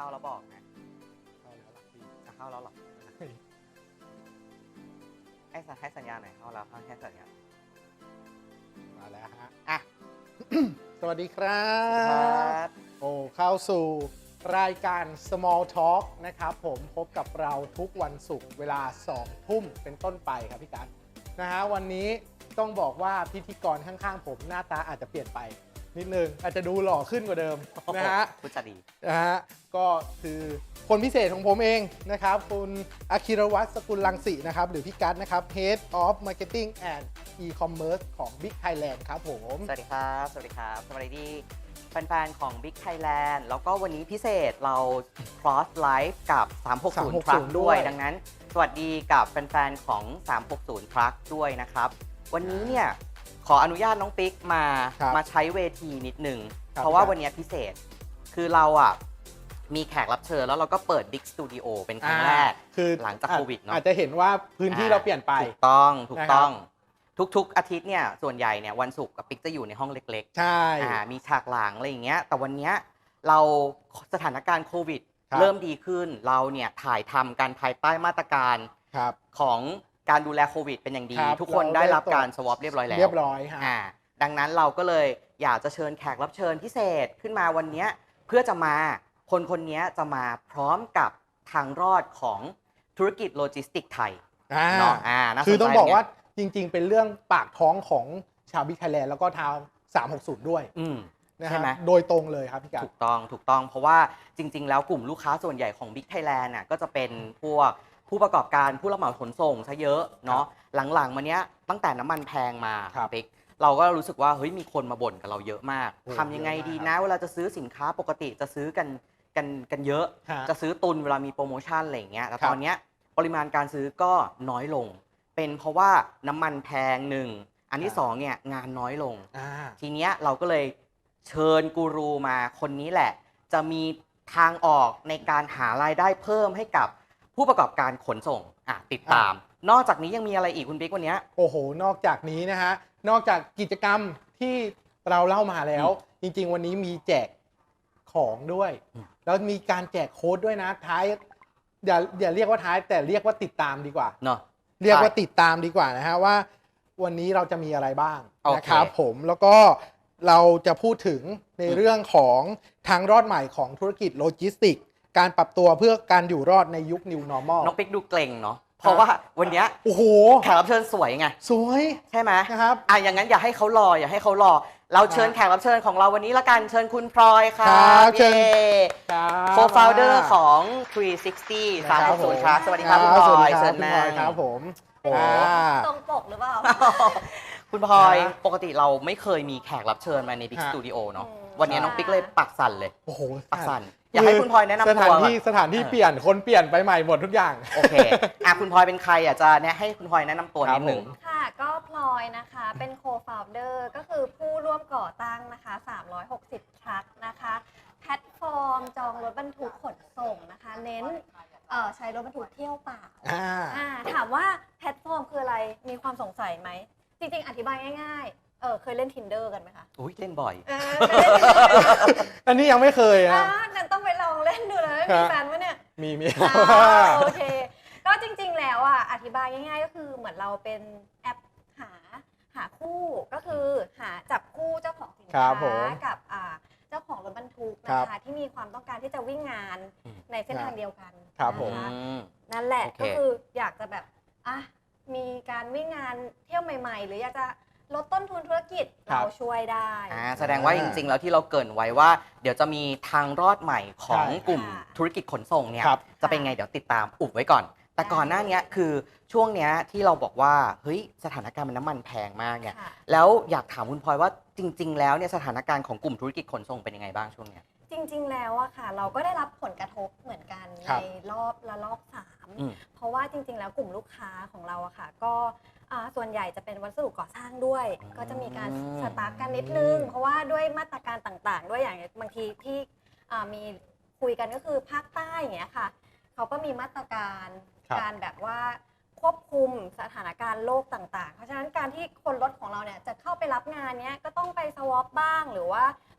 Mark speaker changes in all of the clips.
Speaker 1: าแล้วบอกนะ
Speaker 2: เข้าแล้วหลักพี่
Speaker 1: เข้าแล้วหรอให้สัญญาณหน่อยเข้าแล้วให้สัญญาณ
Speaker 2: มาแล้วฮะ
Speaker 1: อ่ะ
Speaker 2: สวัสดีครั
Speaker 1: ครับ
Speaker 2: โอ้เข้าสู่รายการ Small Talk นะครับผมพบกับเราทุกวันศุกร์เวลา 2 ทุ่มเป็นต้นไปครับพี่กั๊นะฮะวันนี้ต้องบอกว่าพิธีกรข้างๆผมหน้าตาอาจจะเปลี่ยนไปนิดนึงอาจจะดูหล่อขึ้นกว่าเดิมนะฮะ
Speaker 1: พูดจะดี
Speaker 2: นะฮะก็คือคนพิเศษของผมเองนะครับคุณอาคิรวัฒน์สกุลรังสีนะครับหรือพี่กั๊นะครับ Head of Marketing and E-commerce ของ Big Thailand ครับผม
Speaker 1: สวัสดีครับสวัสดีครับสวัสดีแฟนๆของ Big Thailand แล้วก็วันนี้พิเศษเรา cross live กับ 360 Truck ด้วยดังนั้นสวัสดีกับแฟนๆของ 360 Truck ด้วยนะครับวันนี้เนี่ยขออนุญาตน้องปิ๊กมาใช้เวทีนิดนึงเพราะว่าวันนี้พิเศษคือเราอ่ะมีแขกรับเชิญแล้วเราก็เปิด Big Studio เป็นครั้งแรก
Speaker 2: คือ
Speaker 1: หลังจากโควิดเนาะ
Speaker 2: อาจจะเห็นว่าพื้นที่เราเปลี่ยนไป
Speaker 1: ถูกต้องทุกอาทิตย์เนี่ยส่วนใหญ่เนี่ยวันศุกร์กับปิ๊กจะอยู่ในห้องเล็ก
Speaker 2: ๆใช่
Speaker 1: มีฉากหลังอะไรอย่างเงี้ยแต่วันนี้เราสถานการณ์โควิดเริ่มดีขึ้นเราเนี่ยถ่ายทำกันภายใต้มาตรการของการดูแลโควิดเป็นอย่างดีทุกคนได้รับการสวอปเรียบร้อยแล้วดังนั้นเราก็เลยอยากจะเชิญแขกรับเชิญพิเศษขึ้นมาวันนี้เพื่อจะมาคนนี้จะมาพร้อมกับทางรอดของธุรกิจโลจิสติกไทย
Speaker 2: เนาะคือต้องบอกว่าจริงๆเป็นเรื่องปากท้องของชาวบิ๊กไทยแลนด์แล้วก็ทาง360ด้วย
Speaker 1: ใช่ไหม
Speaker 2: โดยตรงเลยครับพี่กั๊
Speaker 1: ถูกต้องเพราะว่าจริงๆแล้วกลุ่มลูกค้าส่วนใหญ่ของ Big Thailand น่ะก็จะเป็นพวกผู้ประกอบการผู้รับเหมาขนส่งซะเยอะเนาะหลังๆมาเนี้ยตั้งแต่น้ำมันแพงมาปิ๊กเราก็รู้สึกว่าเฮ้ยมีคนมาบ่นกับเราเยอะมากทำยังไงดีนะเวลาจะซื้อสินค้าปกติจะซื้อกันเยอะจะซื้อตุนเวลามีโปรโมชั่นอะไรอย่างเงี้ยแต่ตอนเนี้ยปริมาณการซื้อก็น้อยลงเป็นเพราะว่าน้ำมันแพงหนึ่งอันที่สองเนี่ยงานน้อยลงทีเนี้ยเราก็เลยเชิญกูรูมาคนนี้แหละจะมีทางออกในการหารายได้เพิ่มให้กับผู้ประกอบการขนส่งติดตามนอกจากนี้ยังมีอะไรอีกคุณบิ๊กวันนี้
Speaker 2: โอ้โหนอกจากนี้นะฮะนอกจากกิจกรรมที่เราเล่ามาแล้วจริงๆวันนี้มีแจกของด้วยแล้วมีการแจกโค้ดด้วยนะท้ายอย่าเรียกว่าท้ายแต่เรียกว่าติดตามดีกว่า
Speaker 1: เนาะ
Speaker 2: เรียกว่าติดตามดีกว่านะฮะว่าวันนี้เราจะมีอะไรบ้างนะครับผมแล้วก็เราจะพูดถึงในเรื่องของทางรอดใหม่ของธุรกิจโลจิสติกการปรับตัวเพื่อการอยู่รอดในยุค New Normal
Speaker 1: น้องปิ๊กดูเกรงเนาะเพราะว่าวันนี้
Speaker 2: โอ้โห
Speaker 1: แขกรับเชิญสวยไง
Speaker 2: สวย
Speaker 1: ใช่ไหม
Speaker 2: นะครับ
Speaker 1: อย่างนั้นอย่าให้เขารอเราเชิญแขกรับเชิญของเราวันนี้ละกันเชิญคุณพลอยค่ะ
Speaker 2: เชิญ
Speaker 1: โคฟาวเดอร์ของ 360 360 Truck สวัสดีครับคุณพลอยเชิญมา
Speaker 2: ครับผม
Speaker 3: ตรงปกหรือเปล่า
Speaker 1: คุณพลอยปกติเราไม่เคยมีแขกรับเชิญมาใน Big Studio เนาะวันนี้น้องปิ๊กเลยปักสั่นเลย
Speaker 2: โอ้โห
Speaker 1: ปักสั่นอยากให้คุณพลอยแนะนำตัว
Speaker 2: สถานที่เปลี่ยนคนเปลี่ยนไปใหม่หมดทุกอย่าง
Speaker 1: โอเคคุณพลอยเป็นใครจะให้คุณพลอยแนะนำตัวนิดหนึ่ง
Speaker 3: ค่ะก็พลอยนะคะเป็นโคฟาวเดอร์ก็คือผู้ร่วมก่อตั้งนะคะ360 Truck นะคะแพลตฟอร์มจองรถบรรทุกขนส่งนะคะเน้นใช้รถบรรทุกเที่ยวเปล่าถามว่าแพลตฟอร์มคืออะไรมีความสงสัยไหมจริงๆอธิบายง่ายๆเคยเล่น Tinder กันไหมคะ
Speaker 1: อุ้ยเล่นบ่อย
Speaker 2: อันนี้ยังไม่เคย
Speaker 3: งั้นต้องไปลองเล่นดูเลยมีแฟนวะเนี่ย
Speaker 2: มี
Speaker 3: โอเคก็จริงๆแล้วอธิบายง่ายๆก็คือเหมือนเราเป็นแอปหาคู่ก็คือหาจับคู่เจ้าของสินค้ากับเจ้าของรถบรรทุกนะคะที่มีความต้องการที่จะวิ่งงานในเส้นทางเดียวกันนะคะนั่นแหละก็คืออยากจะแบบมีการวิ่งงานเที่ยวใหม่ๆหรืออยากจะลดต้นทุนธุรกิจเราช่วยได้
Speaker 1: แสดงว่าจริงๆแล้วที่เราเกริ่นไว้ว่าเดี๋ยวจะมีทางรอดใหม่ของกลุ่มธุรกิจขนส่งเนี่ยจะเป็นไงเดี๋ยวติดตามอุบไว้ก่อนแต่ก่อนหน้านี้คือช่วงนี้ที่เราบอกว่าเฮ้ยสถานการณ์มันน้ำมันแพงมากเนี่ยแล้วอยากถามคุณพลอยว่าจริงๆแล้วเนี่ยสถานการณ์ของกลุ่มธุรกิจขนส่งเป็นยังไงบ้างช่วงนี้
Speaker 3: จริงๆแล้วค่ะเราก็ได้รับผลกระทบเหมือนกันในรอบ3เพราะว่าจริงๆแล้วกลุ่มลูกค้าของเราค่ะก็ส่วนใหญ่จะเป็นวัสดุก่อสร้างด้วยก็จะมีการสตาร์ทกันนิดนึงเพราะว่าด้วยมาตรการต่างๆด้วยอย่างบางทีที่มีคุยกันก็คือภาคใต้อย่างเงี้ยค่ะเขาก็มีมาตรการการแบบว่าควบคุมสถานการณ์โลกต่างๆเพราะฉะนั้นการที่คนรถของเราเนี่ยจะเข้าไปรับงานเนี้ยก็ต้องไปสวอปบ้างหรือว่า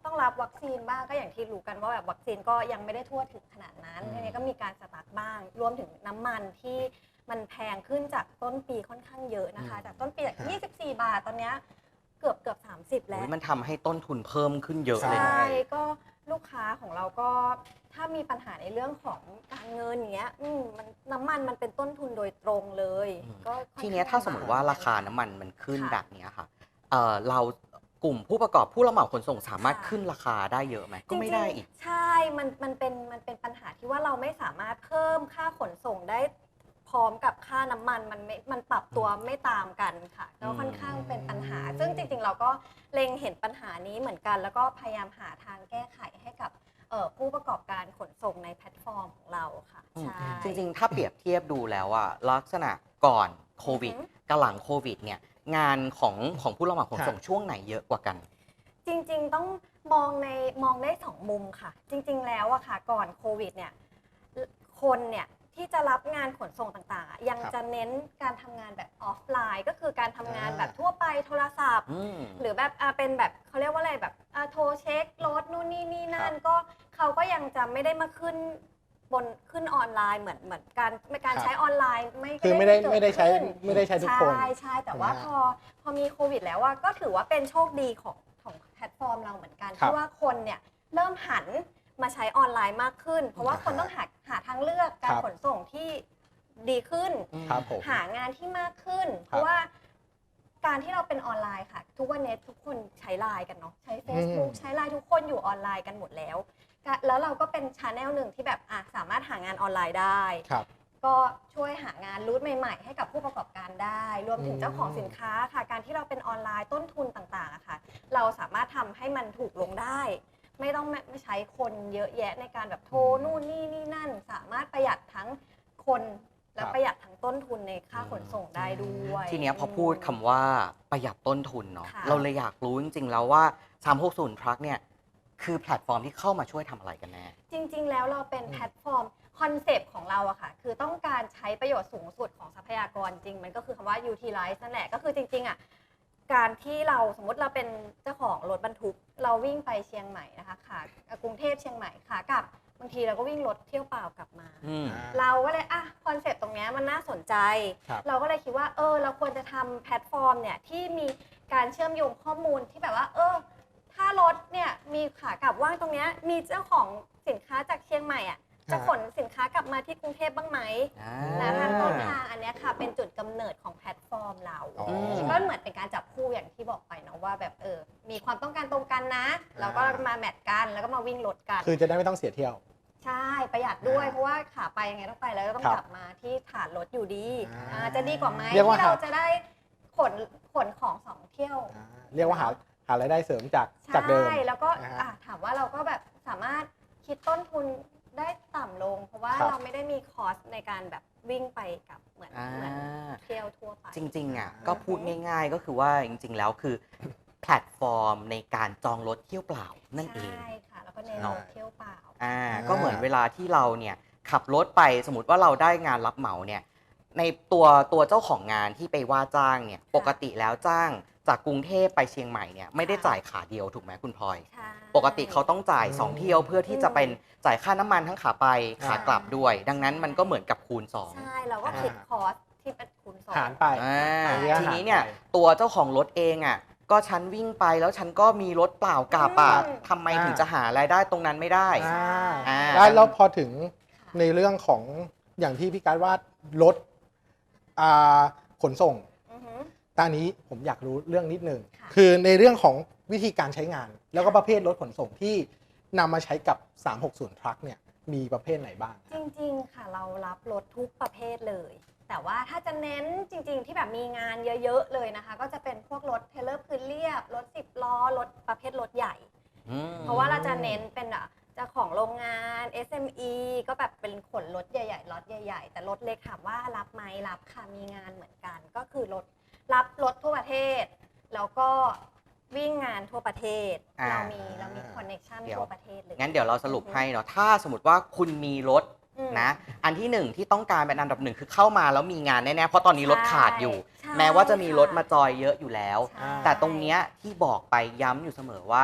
Speaker 3: ต้องรับวัคซีนบ้างก็อย่างที่รู้กันว่าแบบวัคซีนก็ยังไม่ได้ทั่วถึงขนาดนั้นทีนี้ก็มีการสตาร์ทบ้างรวมถึงน้ำมันที่มันแพงขึ้นจากต้นปีค่อนข้างเยอะนะคะจากต้นปีจาก24 บาทตอนเนี้ยเกือบ30แล้ว
Speaker 1: มันทำให้ต้นทุนเพิ่มขึ้นเยอะเลย
Speaker 3: ใช่
Speaker 1: นะ
Speaker 3: ก็ลูกค้าของเราก็ถ้ามีปัญหาในเรื่องของการเงินอย่างเงี้ยมันน้ำมันมันเป็นต้นทุนโดยตรงเลยก็ค่อ
Speaker 1: ที
Speaker 3: ข้ง
Speaker 1: เนี้ยถ้าสมมติว่า
Speaker 3: ลำบก
Speaker 1: ราคาน้ำมันมันขึ้น
Speaker 3: ค่ะ
Speaker 1: แบบเนี้ยค่ะเรากลุ่มผู้ประกอบผู้รับเหมาขนส่งสามารถ
Speaker 3: ค่ะ
Speaker 1: ขึ้นราคาได้เยอะไหมก็ไม่ได้อีก
Speaker 3: ใช่ มันเป็นปัญหาที่ว่าเราไม่สามารถเพิ่มค่าขนส่งได้พร้อมกับค่าน้ำมันมันปรับตัวไม่ตามกันค่ะก็ค่อนข้างเป็นปัญหา ซึ่งจริงๆเราก็เล็งเห็นปัญหานี้เหมือนกัน แล้วก็พยายามหาทางแก้ไขให้กับผู้ประกอบการขนส่งในแพลตฟอร์มของเราค่ะใช่
Speaker 1: จริงๆ ถ้าเปรียบเทียบดูแล้วอะลักษณะก่อนโควิด
Speaker 3: อือฮึ
Speaker 1: กับหลังโควิดเนี่ยงานของผู้รับเหมาขนส่งช่วงไหนเยอะกว่ากัน
Speaker 3: จริงๆต้องมองได้สองมุมค่ะ จริงๆแล้วอะค่ะก่อนโควิดเนี่ยคนเนี่ยที่จะรับงานขนส่งต่างๆอะยัง
Speaker 2: ครับ
Speaker 3: จะเน้นการทำงานแบบออฟไลน์ก็คือการทำงานแบบทั่วไปโทรศัพท์ หรือแบบเป็นแบบเขาเรียกว่าอะไรแบบโทรเช็ครถนู่นนี่นั่นก็เขาก็ยังจะไม่ได้มาขึ้นออนไลน์เหมือนการใช้ออนไลน์ไม่
Speaker 2: คือไม่ได้
Speaker 3: เกิ
Speaker 2: ไม่ได้ใช้
Speaker 3: ขึ้น
Speaker 2: ไม่ได้ใช้ทุกคน
Speaker 3: ใช่แต่ว่า
Speaker 2: นะฮะ
Speaker 3: พอมีโควิดแล้วก็ถือว่าเป็นโชคดีของแพลตฟอร์มเราเหมือนกัน
Speaker 2: ครับ
Speaker 3: ที่ว่าคนเนี่ยเริ่มหันมาใช้ออนไลน์มากขึ้น เพราะว่าคนต้องหาทางเลือกการ
Speaker 2: ครับ
Speaker 3: ขนส่งที่ดีขึ้น
Speaker 2: ครับผม
Speaker 3: หางานที่มากขึ้น เพ
Speaker 2: ครับ
Speaker 3: ราะว่าการที่เราเป็นออนไลน์ค่ะ ทุกวันนี้ทุกคนใช้ไลน์กันเนาะใช้ Facebook ใช้ไลน์ทุกคนอยู่ออนไลน์กันหมดแล้วแล้วเราก็เป็นชาแนลหนึ่งที่แบบสามารถหางานออนไลน์ได้
Speaker 2: ครับ
Speaker 3: ก็ช่วยหางานรูทใหม่ๆ ให้กับผู้ประกอบการได้ รวมถึงเจ้าของสินค้าค่ะ การที่เราเป็นออนไลน์ต้นทุนต่างๆอะค่ะ เราสามารถทำให้มันถูกลงได้ ไม่ต้องไม่ใช้คนเยอะแยะในการแบบโทรนู่นนี่นั่น สามารถประหยัดทั้งคนและ
Speaker 2: ครับ
Speaker 3: ประหยัดทั้งต้นทุนในค่าขนส่งได้ด้วย
Speaker 1: ทีเนี้ยพอพูดคำว่าประหยัดต้นทุนเนาะ
Speaker 3: ค่ะ
Speaker 1: เราเลยอยากรู้จริงๆ แล้วว่า 360 Truck เนี่ยคือแพลตฟอร์มที่เข้ามาช่วยทำอะไรกันแน่
Speaker 3: จริงๆ แล้วเราเป็นแพลตฟอร์มคอนเซปต์ของเราอะค่ะ คือต้องการใช้ประโยชน์สูงสุดของทรัพยากรจริง มันก็คือคำว่า utilize นั่นแหละ ก็คือจริงๆอะการที่เราสมมติเราเป็นเจ้าของรถบรรทุก เราวิ่งไปเชียงใหม่นะคะกรุงเทพเชียงใหม่ค่ะกลับบางทีเราก็วิ่งรถเที่ยวเปล่ากลับมา เราก็เลยคอนเซปต์ตรงเนี้ยมันน่าสนใจ
Speaker 2: ครับ
Speaker 3: เราก็เลยคิดว่าเราควรจะทำแพลตฟอร์มเนี่ยที่มีการเชื่อมโยงข้อมูลที่แบบว่าถ้ารถเนี่ยมีขากลับว่างตรงเนี้ยมีเจ้าของสินค้าจากเชียงใหม่อ่ะจะขนสินค้ากลับมาที่กรุงเทพบ้างไหมและทางต้นทางอันเนี้ยค่ะเป็นจุดกำเนิดของแพลตฟอร์มเรา
Speaker 2: อ๋อ
Speaker 3: ก็เหมือนเป็นการจับคู่อย่างที่บอกไปเนาะว่าแบบมีความต้องการตรงกันนะเราก็มาแมทกันแล้วก็มาวิ่งรถกัน
Speaker 2: คือจะได้ไม่ต้องเสียเที่ยว
Speaker 3: ใช่ประหยัดด้วยเพราะว่าขาไปยังไงต้องไปแล้วก็ต้อง
Speaker 2: ครับ
Speaker 3: กลับมาที่ฐานรถอยู่ดี
Speaker 2: อ่า
Speaker 3: จะดีกว่าไหม
Speaker 2: เรียกว่า
Speaker 3: ที่เราจะได้ขนของสองเที่ยว
Speaker 2: เรียกว่าหารายได้เสริมจากเดิม
Speaker 3: ใช่แล้วก็
Speaker 2: นะฮะ
Speaker 3: ถามว่าเราก็แบบสามารถคิดต้นทุนได้ต่ำลง เพราะว่า
Speaker 2: ครับ
Speaker 3: เราไม่ได้มีคอสในการแบบวิ่งไปกับเหมือนเที่ยวทั่วไป
Speaker 1: จริงๆก็พูดง่ายๆ ก็คือว่าจริงๆ แล้วคือแพลตฟอร์มในการจองรถเที่ยวเปล่านั่นเอง
Speaker 3: ใช่ค่ะแล้วก็เน้น
Speaker 2: เนาะ
Speaker 3: เที่ยวเปล่า
Speaker 1: ก็เหมือนเวลาที่เราเนี่ยขับรถไปสมมติว่าเราได้งานรับเหมาเนี่ยในตัวเจ้าของงานที่ไปว่าจ้างเนี่ยปกติแล้วจ้างจากกรุงเทพไปเชียงใหม่เนี่ยไม่ได้จ่ายขาเดียวถูกไหมคุณพลอย
Speaker 3: ใช่
Speaker 1: ปกติเขาต้องจ่าย2เที่ยวเพื่อที่จะเป็นจ่ายค่าน้ำมันทั้งขาไปขากลับด้วย ดังนั้นมันก็เหมือนกับคูณ2
Speaker 3: ใช่เราก็คิดคอสที่เป็นคูณสอง
Speaker 2: หารไป
Speaker 1: ทีนี้เนี่ยตัวเจ้าของรถเองก็ฉันวิ่งไปแล้วฉันก็มีรถเปล่ากลับทำไมถึงจะหารายได้ตรงนั้นไม่ได้
Speaker 2: แล้วพอถึงในเรื่องของอย่างที่พี่การว่ารถขนส่ง
Speaker 3: อือฮึ
Speaker 2: ตอนนี้ผมอยากรู้เรื่องนิดนึง
Speaker 3: ค่ะ
Speaker 2: คือในเรื่องของวิธีการใช้งาน แล้วก็ประเภทรถขนส่งที่นำมาใช้กับ 360 Truck เนี่ยมีประเภทไหนบ้าง
Speaker 3: จริงๆ ค่ะเรารับรถทุกประเภทเลย แต่ว่าถ้าจะเน้นจริงๆ ที่แบบมีงานเยอะๆ เลยนะคะ ก็จะเป็นพวกรถเทรลเลอร์พื้นเรียบ รถ10 ล้อ รถประเภทรถใหญ่ เพราะว่าเราจะเน้นเป็นเจ้าของโรงงาน SME ก็แบบเป็นขนรถใหญ่ๆ รถใหญ่ๆ แต่รถเล็กถามว่ารับไหมรับค่ะ มีงานเหมือนกัน ก็คือรับรถทั่วประเทศ แล้วก็วิ่งงานทั่วประเทศ เรามีคอนเนคชั่นทั่วประเทศเลย
Speaker 1: งั้นเดี๋ยวเราสรุปให้เนาะถ้าสมมติว่าคุณมีรถนะอันที่หนึ่งที่ต้องการเป็นอันดับหนึ่งคือเข้ามาแล้วมีงานแน่ๆเพราะตอนนี้รถขาดอยู่
Speaker 3: ใช่
Speaker 1: แม้ว่าจะมีรถมาจอยเยอะอยู่แล้ว
Speaker 3: ใช่
Speaker 1: แต่ตรงเนี้ยที่บอกไปย้ำอยู่เสมอว่า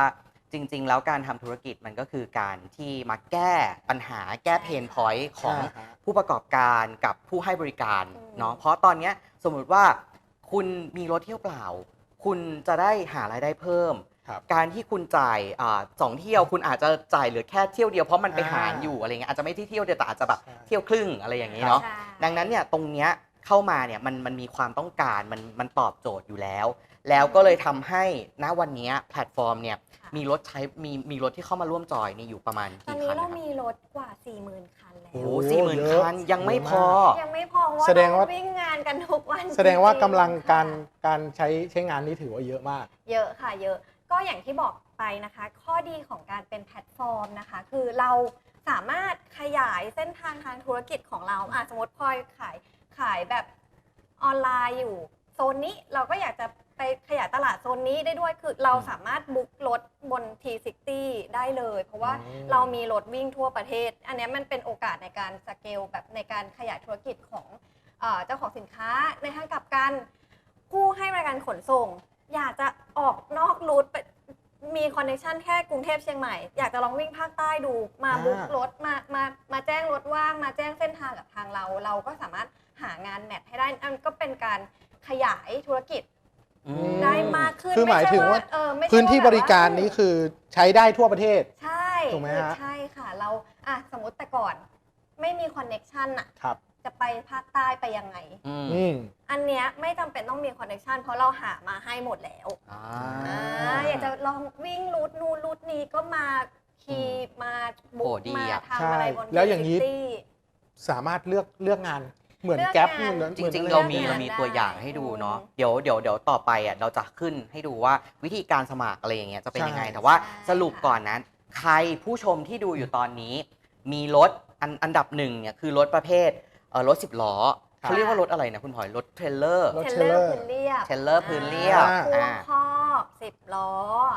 Speaker 1: จริง ๆ แล้วการทำธุรกิจมันก็คือการที่มาแก้ปัญหาแก้เพนพอยต์ของผู้ประกอบการกับผู้ให้บริการเนาะเพราะตอนนี้สมมุติว่าคุณมีรถเที่ยวเปล่า คุณจะได้หารายได้เพิ่ม การที่คุณจ่าย2 เที่ยวคุณอาจจะจ่ายเหลือแค่เที่ยวเดียวเพราะมันไปหารอยู่อะไรเงี้ยอาจจะไม่ที่เที่ยวเดียวแต่อาจจะแบบเที่ยวครึ่งอะไรอย่างนี้เนาะดังนั้นเนี่ยตรงเนี้ยเข้ามาเนี่ยมันมีความต้องการมันตอบโจทย์อยู่แล้วก็เลยทำให้ณวันนี้แพลตฟอร์มเนี่ยมีรถใช้มีรถที่เข้ามาร่วมจอยนี่อยู่ประมาณกี่คัน
Speaker 3: ตอนนี้เรามีรถกว่า 40,000 คันแล้ว
Speaker 1: โอ้40,000 คันยังไม่พอ
Speaker 3: ยังไม่พอว่า
Speaker 2: แสดงว่า
Speaker 3: เราวิ่งงานกันทุกวัน
Speaker 2: แสดงว่ากำลัง
Speaker 3: จริๆ
Speaker 2: การใช้งานนี้ถือว่าเยอะมาก
Speaker 3: เยอะค่ะเยอะก็อย่างที่บอกไปนะคะ ข้อดีของการเป็นแพลตฟอร์มนะคะ คือเราสามารถขยายเส้นทางทางธุรกิจของเราสมมติพลอยขายแบบออนไลน์อยู่โซนนี้เราก็อยากจะไปขยายตลาดโซนนี้ได้ด้วยคือเราสามารถบุ๊กรถบน T60 ได้เลย เพราะว่าเรามีรถวิ่งทั่วประเทศ อันนี้มันเป็นโอกาสในการสเกลแบบในการขยายธุรกิจของเจ้าของสินค้าในทางกลับกันผู้ให้บริการขนส่ง อยากจะออกนอกรูทไปมีคอนเนคชันแค่กรุงเทพเชียงใหม่อยากจะลองวิ่งภาคใต้ดูมาบุ๊กรถมาแจ้งรถว่างมาแจ้งเส้นทางกับทางเราก็สามารถหางานแมทให้ได้อันก็เป็นการขยายธุรกิจได้มากขึ้น
Speaker 2: คือหมายถึงว่า
Speaker 3: ไม่ใช่
Speaker 2: พื้นที่บริการนี้คือใช้ได้ทั่วประเทศ
Speaker 3: ใช่
Speaker 2: ถูกไหมฮะ
Speaker 3: ใช่ค่ะเราสมมติแต่ก่อนไม่มีคอนเนคชัน
Speaker 2: ครับ
Speaker 3: จะไปภาคใต้ไปยังไงอันเนี้ยไม่จำเป็นต้องมีคอนเนคชันเพราะเราหามาให้หมดแล้วอยากจะลองวิ่งรูทนู้นรูทนี้ก็มาขี่มาบุ๊กมาทำอะไรบน
Speaker 2: แล้วอย่างนี้สามารถเลือกงานเหมือนแก๊ป
Speaker 1: จริงๆเรามีตัวอย่างให้ดูเนาะเดี๋ยวต่อไปเราจะขึ้นให้ดูว่าวิธีการสมัครอะไรอย่างเงี้ยจะเป็นยังไงแต่ว่าสรุปก่อนนะใครผู้ชมที่ดูอยู่ตอนนี้มีรถอันดับหนึ่งเนี่ยคือรถประเภทรถ10 ล้อเขาเรียกว่ารถอะไรนะคุณพลอยรถเทรลเลอร์
Speaker 3: พื้นเรียบ
Speaker 1: พื้นเรียบ
Speaker 3: พ่วงคอก10 ล้อ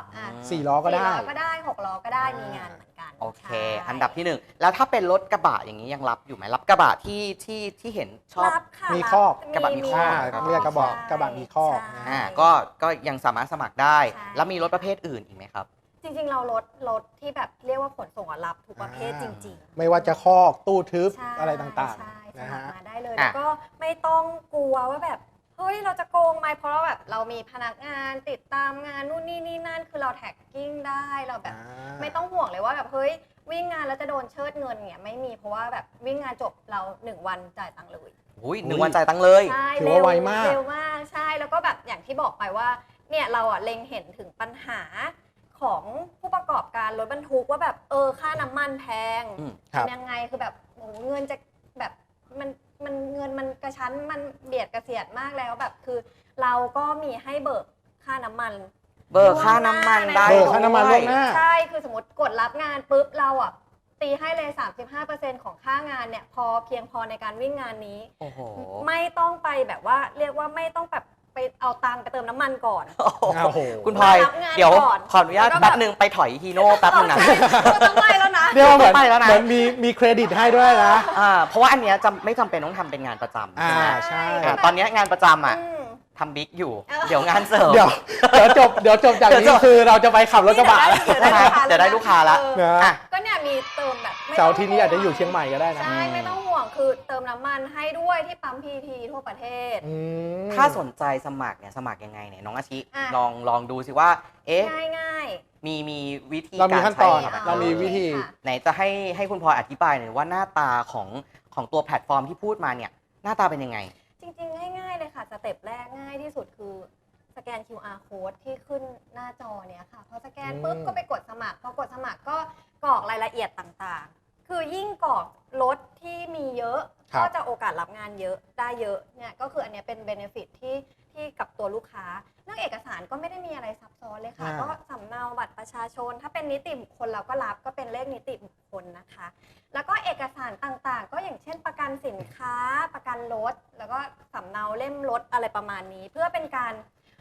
Speaker 2: 4 ล้อก็ได้
Speaker 3: 4 ล้อก็ได้6 ล้อก็ได้มีงานเหมือนกัน
Speaker 1: โอเคอันดับที่1แล้วถ้าเป็นรถกระบะอย่างนี้ยังรับอยู่ไหมรับกระบะที่เห็นชอบ
Speaker 2: มีคอก
Speaker 1: กระบะมีคอก
Speaker 2: เรียกกระบะมีคอก
Speaker 1: ก็ยังสามารถสมัครได้แล้วมีรถประเภทอื่นอีกไหมครับ
Speaker 3: จริงๆเรารถที่แบบเรียกว่าขนส่งรับทุกประเภทจริง
Speaker 2: ๆไม่ว่าจะคอกตู้ทึบอะไรต่าง
Speaker 3: ๆนะฮะมาได้เลยแล้วก็ไม่ต้องกลัวว่าแบบเฮ้ยเราจะโกงไหมเพราะเราแบบเรามีพนักงานติดตามงานนู่นนี่นั่นคือเราแท็กกิ้งได้เราแบบไม่ต้องห่วงเลยว่าแบบเฮ้ยวิ่งงานแล้วจะโดนเชิดเงินเนี่ยไม่มีเพราะว่าแบบวิ่งงานจบเรา1 วันจ่ายตังค์เลย
Speaker 1: 1 วันจ่ายตังค์เลย
Speaker 2: ถือว่าไวมาก
Speaker 3: เร็วมากใช่แล้วก็แบบอย่างที่บอกไปว่าเนี่ยเราเล็งเห็นถึงปัญหาของผู้ประกอบการรถบรรทุกว่าแบบค่าน้ำมันแพงยังไงคือแบบโอ้เงินจะแบบมันเงินมันกระชั้นมันเบียดกระเสียดมากแล้วแบบคือเราก็มีให้เบิกค่าน้ำมัน
Speaker 1: ค่าน้ำมันได้
Speaker 2: ค่าน้ำมันล่วงหน้า
Speaker 3: ใช่คือสมมติกดรับงานปุ๊บเราตีให้เลย 35% ของค่างานเนี่ยเพียงพอในการวิ่งงานนี้ไม่ต้องไปแบบว่าเรียกว่าไม่ต้องแบบไปเอาตังค์ไปเติมน้ำมันก่อน
Speaker 1: คุณพลอยเดี๋ยวขออนุญาตแป๊บนึงไปถอยฮีโน่แป๊บนึงนะ
Speaker 3: ต้องไปแล้วนะ
Speaker 2: เรียกว่าเหมือนมีเครดิตให้ด้วยนะ
Speaker 1: เพราะว่าอันเนี้ยไม่จำเป็นต้องทำเป็นงานประจำ
Speaker 2: ใช่
Speaker 1: ตอนนี้งานประจำทำบิ๊กอยู่เดี๋ยวงานเสริม
Speaker 2: เดี๋ยวจบจากนี้คือเราจะไปขับรถกระบะ
Speaker 1: เดี๋ยวได้ลูกค้าแล้ว
Speaker 3: ก็เนี่ยมีเติมแบบ
Speaker 2: เสาร์ที่นี้อาจจะอยู่เชียงใหม่ก็ได้นะ
Speaker 3: ใช่ไม่ต้องห่วงคือเติมน้ำมันให้ด้วยที่ปั๊มพีทีทั่วประเทศ
Speaker 1: ถ้าสนใจสมัครเนี่ยสมัครยังไงเนี่ยน้องอาชิลองดูสิว่า
Speaker 3: ง่าย
Speaker 1: มีวิธี
Speaker 2: เรามีขั้นตอนเรามีวิธี
Speaker 1: ไหนจะให้คุณพลอยอธิบายหน่อยว่าหน้าตาของตัวแพลตฟอร์มที่พูดมาเนี่ยหน้าตาเป็นยังไง
Speaker 3: จริงๆง่ายๆเลยค่ะสเต็ปแรกง่ายที่สุดคือสแกน QR code ที่ขึ้นหน้าจอเนี่ยค่ะพอสแกนปุ๊บก็ไปกดสมัครพอกดสมัครก็กรอกรายละเอียดต่างๆคือยิ่งกรอกรถที่มีเยอะก็จะโอกาสรับงานเยอะได้เยอะเนี่ยก็คืออันนี้เป็น benefit ที่กับตัวลูกค้าเรื่องเอกสารก็ไม่ได้มีอะไรซับซ้อนเลยค่ะก็สำเนาบัตรประชาชนถ้าเป็นนิติบุคคลเราก็รับก็เป็นเลขนิติบุคคลนะคะแล้วก็เอกสารต่างๆก็อย่างเช่นประกันสินค้าประกันรถแล้วก็สำเนาเล่มรถอะไรประมาณนี้เพื่อเป็นการ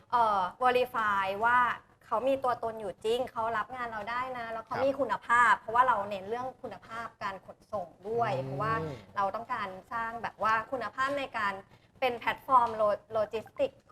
Speaker 3: verify ว่าเขามีตัวตนอยู่จริงเขารับงานเราได้นะแล้วเขามีคุณภาพเพราะว่าเราเน้นเรื่องคุณภาพการขนส่งด้วยเพราะว่าเราต้องการสร้างแบบว่าคุณภาพในการเป็นแพลตฟอร์มโลจิสติก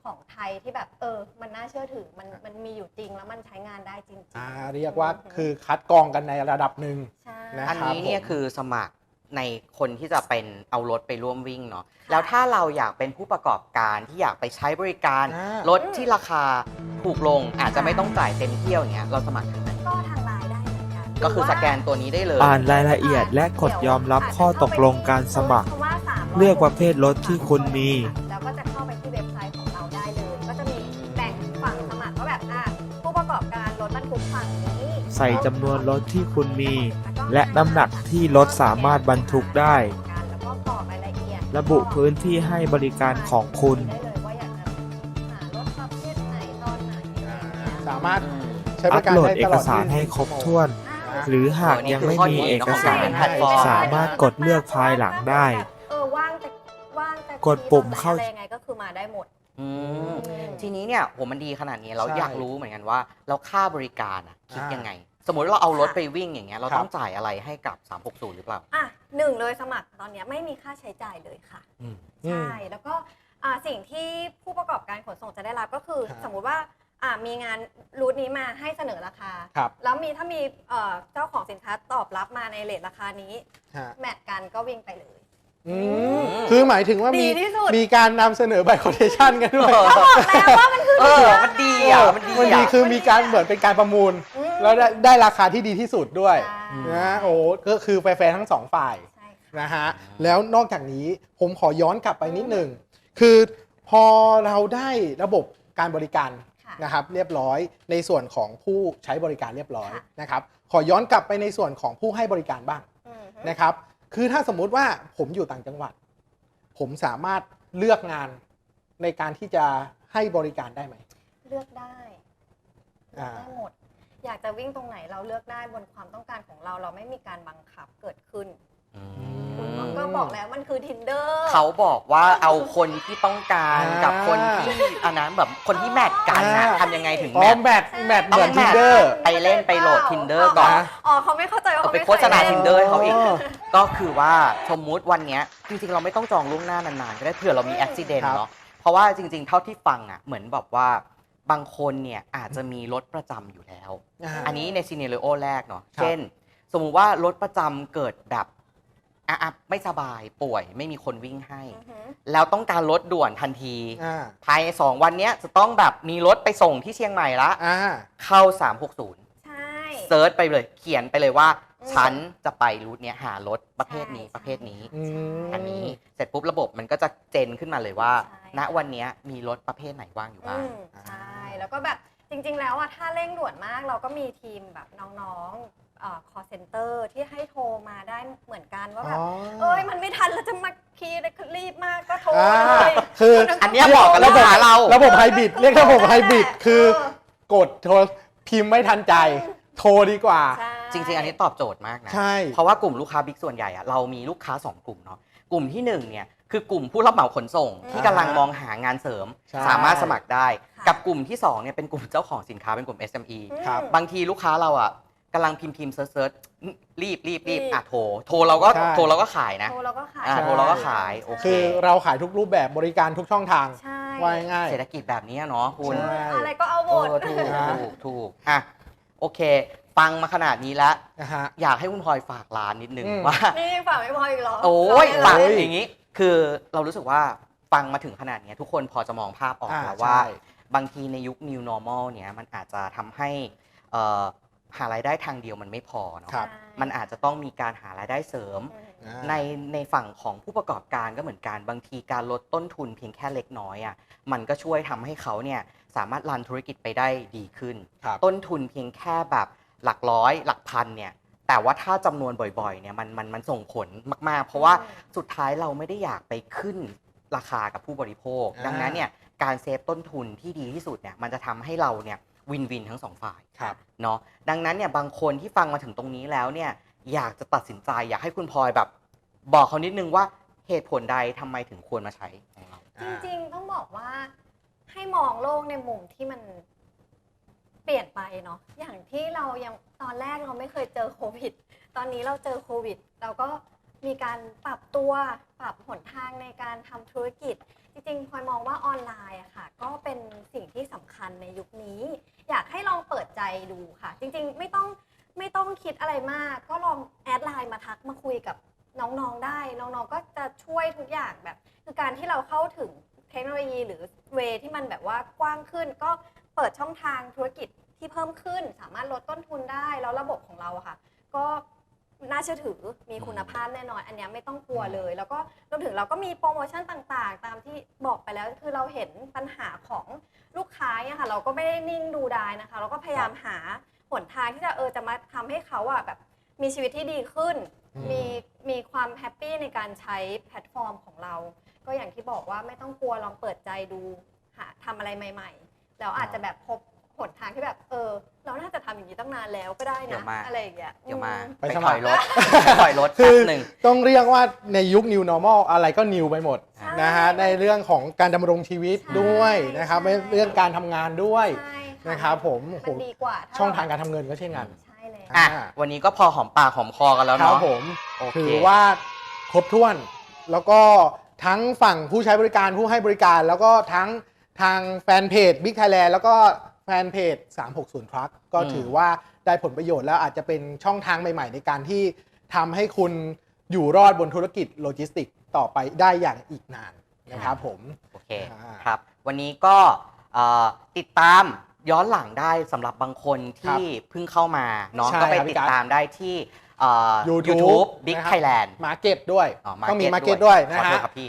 Speaker 3: ของไทยที่แบบมันน่าเชื่อถือมันมีอยู่จริงแล้วมันใช้งานได้จริงๆ
Speaker 2: เรียกว่าคือคัดกรองกันในระดับหนึ่ง
Speaker 3: ใช่
Speaker 2: นะ
Speaker 1: อัน
Speaker 2: ครับ
Speaker 1: นี้เนี่ย
Speaker 2: ผม
Speaker 1: คือสมัครในคนที่จะเป็นเอารถไปร่วมวิ่งเนาะแล้วถ้าเราอยากเป็นผู้ประกอบการที่อยากไปใช้บริการรถที่ราคาถูกลงอาจจะไม่ต้องจ่ายเต็มเที่ยวอย่างเงี้ยเราสมัครทางไหน
Speaker 3: ก็ทางไลน์ได้เหมือนกัน
Speaker 1: ก็คือสแกนตัวนี้ได้เลย
Speaker 4: อ่านรายละเอียดและกดยอมรับข้อตกลงการสมัคร เลือกประเภทรถที่คุณมี
Speaker 3: แล้วก็จะเข้าไปที่เว็บไซต์ของเราได้เลย ก็จะมีแบ่งฝั่งสมัครว่าแบบผู้ประกอบการรถบรรทุกฝั่งนี้
Speaker 4: ใส่จำนวนรถที่คุณมี และน้ำหนักที่รถสามารถบรรทุกได้
Speaker 3: แล้วก็กรอกรายละเอียด
Speaker 4: ระบุพื้นที่ให้บริการของคุณ
Speaker 3: ได้เลยว่าอยากจะหารถประเภทไหนตอนไหนอะไรอย่างเงี้ย
Speaker 2: สามารถใช้บ
Speaker 4: อั
Speaker 2: ริ
Speaker 4: ป
Speaker 2: การ
Speaker 4: โหลด
Speaker 2: ได้
Speaker 4: เอ
Speaker 2: ตล
Speaker 4: ก
Speaker 2: อด
Speaker 4: สารให้ครบถ้วน
Speaker 3: อ่า
Speaker 4: หรือหากยังไม่มีเอกสาร
Speaker 1: แพลตฟอร์ม
Speaker 4: สามารถกดเลือกภายหลังได้
Speaker 3: ว่างแต่
Speaker 4: กดปุ่มเข้า
Speaker 3: อะไรยังไงก็คือมาได้หมด
Speaker 1: อืมทีนี้เนี่ยโหมันดีขนาดนี้เรา
Speaker 2: ใช่
Speaker 1: อยากรู้เหมือนกันว่าแล้วค่าบริการคิด
Speaker 2: อ่ายั
Speaker 1: ยังไง สมมติเราเอารถไปวิ่งอย่างเงี้ยเรา
Speaker 2: ครับ
Speaker 1: ต้องจ่ายอะไรให้กับ 360 หรือเปล่า
Speaker 3: หนึ่งเลยสมัครตอนเนี้ยไม่มีค่าใช้จ่ายเลยค่ะ
Speaker 2: อืม
Speaker 3: ใช่ แล้วก็สิ่งที่ผู้ประกอบการขนส่งจะได้รับก็คือ
Speaker 2: ครับ
Speaker 3: สมมุติว่ามีงานรูทนี้มาให้เสนอราคา
Speaker 2: ครับ
Speaker 3: แล้วถ้ามีเจ้าของสินค้าตอบรับมาในเรทราคานี้
Speaker 2: ฮะ
Speaker 3: แมทกันก็วิ่งไปเลย
Speaker 2: อืมคือหมายถึงว่ามี
Speaker 3: ดีที่สุด
Speaker 2: มีการนำเสนอใบคอนเทชันกันด้วย
Speaker 3: ก็บอกแล้วว่ามันคือ
Speaker 1: มันดีอ่ะ มันดี
Speaker 2: มันดี
Speaker 1: อ่ะ
Speaker 2: คือมีการเหมือนเป็นการประมูล
Speaker 3: ม
Speaker 2: แล้วได้ราคาที่ดีที่สุดด้วย
Speaker 3: ใช่
Speaker 2: นะโอ้ก็คือแฟร์ๆทั้งสองฝ่าย
Speaker 3: ใช่ค่ะ
Speaker 2: นะฮะแล้วนอกจากนี้ผมขอย้อนกลับไปนิดหนึ่งคือพอเราได้ระบบการบริการ
Speaker 3: ค่ะ
Speaker 2: นะครับเรียบร้อยในส่วนของผู้ใช้บริการเรียบร้อย
Speaker 3: ค่ะ
Speaker 2: นะครับขอย้อนกลับไปในส่วนของผู้ให้บริการบ้าง
Speaker 3: อืม
Speaker 2: นะครับคือถ้าสมมุติว่าผมอยู่ต่างจังหวัด ผมสามารถเลือกงานในการที่จะให้บริการได้ไหม
Speaker 3: เลือกได้
Speaker 2: อ่า
Speaker 3: ได้หมด อยากจะวิ่งตรงไหนเราเลือกได้บนความต้องการของเราไม่มีการบังคับเกิดขึ้น คุณก็บอกแล้วมันคือ Tinder
Speaker 1: เขาบอกว่าเอาคนที่ต้องการ
Speaker 2: อ่ากั
Speaker 1: กับคนที่อันนั้นแบบคนที่แมทกันนะ
Speaker 2: อ่า
Speaker 1: ทำยังไงถึง
Speaker 2: อ๋
Speaker 1: แม
Speaker 2: อ
Speaker 1: ท
Speaker 2: แมทเหมือน
Speaker 1: ต้องแมท
Speaker 2: Tinder
Speaker 1: ไปเล่นไปโหลด Tinder ก่อน
Speaker 3: เขาไม่เข้าใจว่า
Speaker 1: เอา
Speaker 3: เขา
Speaker 1: ไป
Speaker 3: ไม่
Speaker 1: โฆษณา
Speaker 3: เคยเล่น
Speaker 1: Tinder ให้เขาอีก ก็คือว่าสมมุติวันเนี้ยจริงๆ เราไม่ต้องจองล่วงหน้านานๆ ก็ได้เผื่อเรามีอุบิเหตุ
Speaker 2: ครับ
Speaker 1: เนาะเพราะว่าจริงๆ เท่าที่ฟังอ่ะเหมือนแบบว่าบางคนเนี่ยอาจจะมีรถประจำอยู่แล้ว อันนี้ในซีเนเรโอแรกเนาะ
Speaker 2: ครับ
Speaker 1: เช่น สมมุติว่ารถประจำเกิดแบบไม่สบายป่วยไม่มีคนวิ่งให้
Speaker 3: อือหือ
Speaker 1: แล้วต้องการรถด่วนทันที
Speaker 2: อ่า
Speaker 1: ภายใน2 วันเนี้ยจะต้องแบบมีรถไปส่งที่เชียงใหม่ละ
Speaker 2: อ่า
Speaker 1: เข้า 360
Speaker 3: ใช่
Speaker 1: เซิร์ชไปเลยเขียนไปเลยว่า
Speaker 3: อืม
Speaker 1: ฉันจะไปรูทเนี้ยหารถประเภทนี้
Speaker 3: ใช่
Speaker 1: ประเภทนี้
Speaker 2: อืม
Speaker 1: อันนี้เสร็จปุ๊บระบบมันก็จะเจนขึ้นมาเลยว่า
Speaker 3: ใช่
Speaker 1: ณวันเนี้ยมีรถประเภทไหนว่างอยู่บ้าง
Speaker 3: ใช่ แล้วก็แบบจริงๆ แล้วถ้าเร่งด่วนมากเราก็มีทีมแบบน้องๆcall center ที่ให้โทรมาได้เหมือนกันว่าแบบ มันไม่ทันแล้วจะมาคีย์เลยรีบมากก็โทร
Speaker 2: อ่า
Speaker 3: เลย
Speaker 2: คือ
Speaker 1: อันเนี้ยเหมาะกับลูกค้าเรา
Speaker 2: ระบบไฮบริดเรียกระบบไฮบริดคือกดโทรพิมพ์ไม่ทันใจ โทรดีกว่า
Speaker 3: ใช่
Speaker 1: จริงๆ อันนี้ตอบโจทย์มากนะ
Speaker 2: ใช่
Speaker 1: เพราะว่ากลุ่มลูกค้าบิ๊กส่วนใหญ่อะเรามีลูกค้า 2 กลุ่มเนาะกลุ่มที่1เนี่ยคือกลุ่มผู้รับเหมาขนส่ง ที่กำลังมองหางานเสริม
Speaker 2: ใช่
Speaker 1: สามารถสมัครได้
Speaker 3: ค่ะ
Speaker 1: กับกลุ่มที่2เนี่ยเป็นกลุ่มเจ้าของสินค้าเป็นกลุ่ม SME
Speaker 2: ครับ
Speaker 1: บางทีลูกค้าเราอ่ะกำลังพิมพ์เซิร์ชรีบ
Speaker 3: รีบ
Speaker 1: โทรเราก็
Speaker 2: ใช่
Speaker 1: โทรเราก็ขายนะ
Speaker 3: โทรเราก็ขาย
Speaker 1: โทรเราก็ขายโอเค
Speaker 2: คือเราขายทุกรูปแบบบริการทุกช่องทาง
Speaker 3: ใช่
Speaker 2: ว่าง่าย
Speaker 1: เศรษฐกิจแบบนี้เนาะคุณ
Speaker 2: ใช่
Speaker 3: อะไรก็เอาหมด
Speaker 1: ถูก
Speaker 2: นะ
Speaker 1: ถูกอ่ะโอเค ฟังมาขนาดนี้แล้ว
Speaker 2: นะฮะ
Speaker 1: อยากให้คุณพลอยฝากร้านนิดนึง
Speaker 2: อืม
Speaker 1: ว่า
Speaker 3: นี่ฝากไม่พออีกเหรอ
Speaker 1: โอ้ย
Speaker 3: ฝา
Speaker 1: ฝาก ก
Speaker 3: ไม่พอ
Speaker 1: อย่างนี้ คือเรารู้สึกว่าฟังมาถึงขนาดนี้ทุกคนพอจะมองภาพออกแล้วว่า
Speaker 2: ใช่
Speaker 1: บางทีในยุค new normal เนี่ยมันอาจจะทำให้หารายได้ทางเดียวมันไม่พอเนาะ
Speaker 2: ครับ
Speaker 1: มันอาจจะต้องมีการหารายได้เสริม
Speaker 3: อืม
Speaker 1: ในฝั่งของผู้ประกอบการก็เหมือนกันบางทีการลดต้นทุนเพียงแค่เล็กน้อยอ่ะมันก็ช่วยทำให้เขาเนี่ยสามารถรันธุรกิจไปได้ดีขึ้น
Speaker 2: ครับ
Speaker 1: ต้นทุนเพียงแค่แบบหลักร้อยหลักพันเนี่ยแต่ว่าถ้าจำนวนบ่อยๆเนี่ยมันส่งผลมากๆ เพราะว่าสุดท้ายเราไม่ได้อยากไปขึ้นราคากับผู้บริโภค
Speaker 2: อ่า
Speaker 1: ดังนั้นเนี่ยการเซฟต้นทุนที่ดีที่สุดเนี่ยมันจะทำให้เราเนี่ยวินวินทั้งสองฝ่าย
Speaker 2: ครับ
Speaker 1: เนาะดังนั้นเนี่ยบางคนที่ฟังมาถึงตรงนี้แล้วเนี่ยอยากจะตัดสินใจอยากให้คุณพลอยแบบบอกเขานิดนึงว่าเหตุผลใดทำไมถึงควรมาใช้ของเรา
Speaker 3: จริงๆ ต้องบอกว่าให้มองโลกในมุมที่มันเปลี่ยนไปเนาะอย่างที่เรายังตอนแรกเราไม่เคยเจอโควิด ตอนนี้เราเจอโควิด เราก็มีการปรับตัวปรับหนทางในการทำธุรกิจจริงๆพลอยมองว่าออนไลน์อะค่ะก็เป็นสิ่งที่สำคัญในยุคนี้ อยากให้ลองเปิดใจดูค่ะ จริงๆไม่ต้องคิดอะไรมาก ก็ลองแอดไลน์มาทักมาคุยกับน้องๆได้น้องๆก็จะช่วยทุกอย่างแบบคือการที่เราเข้าถึงเทคโนโลยีหรือเวที่มันแบบว่ากว้างขึ้น ก็เปิดช่องทางธุรกิจที่เพิ่มขึ้น สามารถลดต้นทุนได้แล้วระบบของเราอะค่ะก็น่าเชื่อถือมีคุณภาพแน่นอนอันนี้ไม่ต้องกลัวเลยแล้วก็รวมถึงเราก็มีโปรโมชั่นต่างๆตามที่บอกไปแล้วคือเราเห็นปัญหาของลูกค้าเนี่ยค่ะเราก็ไม่ได้นิ่งดูดายนะคะเราก็พยายามหาหนทางที่จะมาทำให้เขาอะแบบมีชีวิตที่ดีขึ้นมีความแฮปปี้ในการใช้แพลตฟอร์มของเราก็อย่างที่บอกว่าไม่ต้องกลัวลองเปิดใจดูหาทำอะไรใหม่ๆแล้วอาจจะแบบพบหนทางที่แบบเราน่าจะทำอย่างนี้ตั้งนานแล้วก็ได้นะอะไรอย่างเงี้ย
Speaker 1: เดี๋ยวมา
Speaker 2: ไป
Speaker 1: ไป
Speaker 2: ส
Speaker 1: ถ
Speaker 2: มัคร
Speaker 1: อยรถไปถอยรถ
Speaker 2: คื
Speaker 1: แป๊
Speaker 2: อบ
Speaker 1: หนึ่ง
Speaker 2: ต้องเรียกว่าในยุค New Normal อะไรก็ New ไปหมด
Speaker 3: ใช่
Speaker 2: นะฮะในเรื่องของการดำรงชีวิต
Speaker 3: ใช่
Speaker 2: ด้วยนะครับ
Speaker 3: ใช่
Speaker 2: เรื่องการทำงานด้วย
Speaker 3: ใช่ค่ะ
Speaker 2: นะครับผม
Speaker 3: มันดีกว่าถ้
Speaker 2: ช่องทางการทำเงินก็เช่นกัน
Speaker 3: ใช่เลย
Speaker 1: อ่ะวันนี้ก็พอหอมปากหอมคอกันแล้ว
Speaker 2: ครั
Speaker 1: เนาะ
Speaker 2: บผม
Speaker 1: โอเค
Speaker 2: ถือว่าครบถ้วน แล้วก็ทั้งฝั่งผู้ใช้บริการผู้ให้บริการ แล้วก็ทั้งทางแฟนเพจ Big Thailand แล้วก็แฟนเพจ 360 Truck ก็ถือว่าได้ผลประโยชน์แล้วอาจจะเป็นช่องทางใหม่ๆ ในการที่ทำให้คุณอยู่รอดบนธุรกิจโลจิสติกส์ต่อไปได้อย่างอีกนานนะครับผม
Speaker 1: โอเค
Speaker 2: อ่า
Speaker 1: ครับ วันนี้ก็ติดตามย้อนหลังได้สำหรับบางคนที่เพิ่งเข้ามาเนาะ
Speaker 2: ใช่
Speaker 1: ก็ไป
Speaker 2: ครับพี่
Speaker 1: ติด
Speaker 2: กั๊
Speaker 1: ตามได้ที่
Speaker 2: YouTube
Speaker 1: YouTube Big
Speaker 2: นะครับ
Speaker 1: Thailand
Speaker 2: มาร์เก็ตด้วย
Speaker 1: Market
Speaker 2: ต้องมีมาร์เก็ตด้วยนะ
Speaker 1: ขอโท
Speaker 2: ฮะ
Speaker 1: ษครับพี่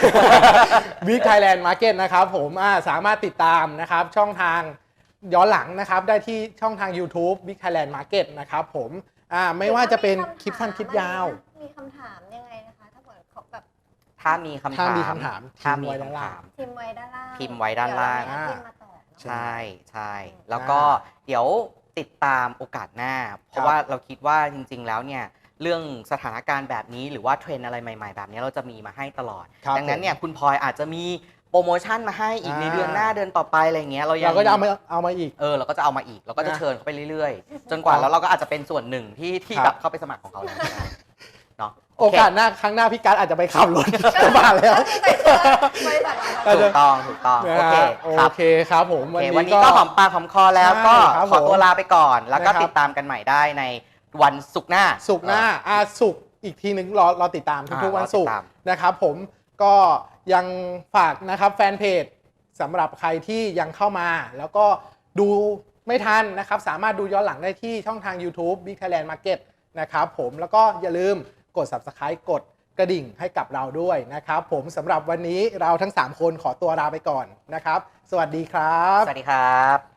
Speaker 2: Big Thailand Market นะครับผมสามารถติดตามนะครับช่องทางย้อนหลังนะครับได้ที่ช่องทาง YouTube Big Thailand Market นะครับผมไม่ว่าจะเป็นคลิปสั้นคลิปยาว
Speaker 3: มีคำถามยังไงนะคะถ้าเกิดเขาแบบ
Speaker 1: ถ้ามีคำถาม
Speaker 2: ถ้ามีคำถาม
Speaker 1: ถ้ามี
Speaker 2: ทิ้งไว้ด้านล่าง
Speaker 1: คำถาม
Speaker 3: พิมพ์ไว้ด้านล่าง
Speaker 1: พิมพ์ไว้ด้านล่าง
Speaker 3: เดี๋ยวเรมีแอดมินมาตอบเนอะ
Speaker 1: ใช่ใช่แล้วก็เดี๋ยวติดตามโอกาสหน้า เพราะว่าเราคิดว่าจริงๆแล้วเนี่ยเรื่องสถานการณ์แบบนี้หรือว่าเทรนด์อะไรใหม่ๆ แบบนี้เราจะมีมาให้ตลอด
Speaker 2: ครับ
Speaker 1: ดังนั้นเนี่ยคุณพลอยอาจจะมีโปรโมชั่นมาให้อีกในเดือนหน้าเดือนต่อไปอะไรเงี้ยเรายัง
Speaker 2: เราก็จะเอามาอีก
Speaker 1: เราก็จะเอามาอีกเราก็จะ
Speaker 2: นะ
Speaker 1: เชิญเขาไปเรื่อยๆ จนกว่าแล้วเราก็อาจจะเป็นส่วนหนึ่งที่
Speaker 2: ครับ
Speaker 1: แบบเข้าไปสมัครของเขาแล้วก็ได้เนาะ
Speaker 2: โอกาสหน้าครั้งหน้าพี่การดอาจจะไปขับรถกระบะแล้ว
Speaker 3: ใส่เสื้อบริษัทเรา
Speaker 1: ถูกต้องถูกต้อง
Speaker 2: นะ
Speaker 1: โอเค
Speaker 2: ฮะ
Speaker 1: ครับ
Speaker 2: โอเคครับผม
Speaker 1: โอเควันนี้ก็หอมปากหอมคอแล้ว
Speaker 2: ใช่
Speaker 1: ก็
Speaker 2: ครับ
Speaker 1: ขอตัวลาไปก่อน แล้วก็
Speaker 2: นะครับ
Speaker 1: ติดตามกันใหม่ได้ในวันศุกร์หน้า
Speaker 2: ศุกร์หน้าศุกร์อีกทีหนึ่งรอติดตามทุกๆวันศุกร์
Speaker 1: รอติดตาม
Speaker 2: นะครับผมก็ยังฝากนะครับแฟนเพจสำหรับใครที่ยังเข้ามา แล้วก็ดูไม่ทันนะครับสามารถดูย้อนหลังได้ที่ช่องทาง YouTube Big Thailand Market นะครับผมแล้วก็อย่าลืมกด Subscribe กดกระดิ่งให้กับเราด้วยนะครับผมสำหรับวันนี้เราทั้ง 3 คนขอตัวลาไปก่อนนะครับ สวัสดีครับ
Speaker 1: สวัสดีครับ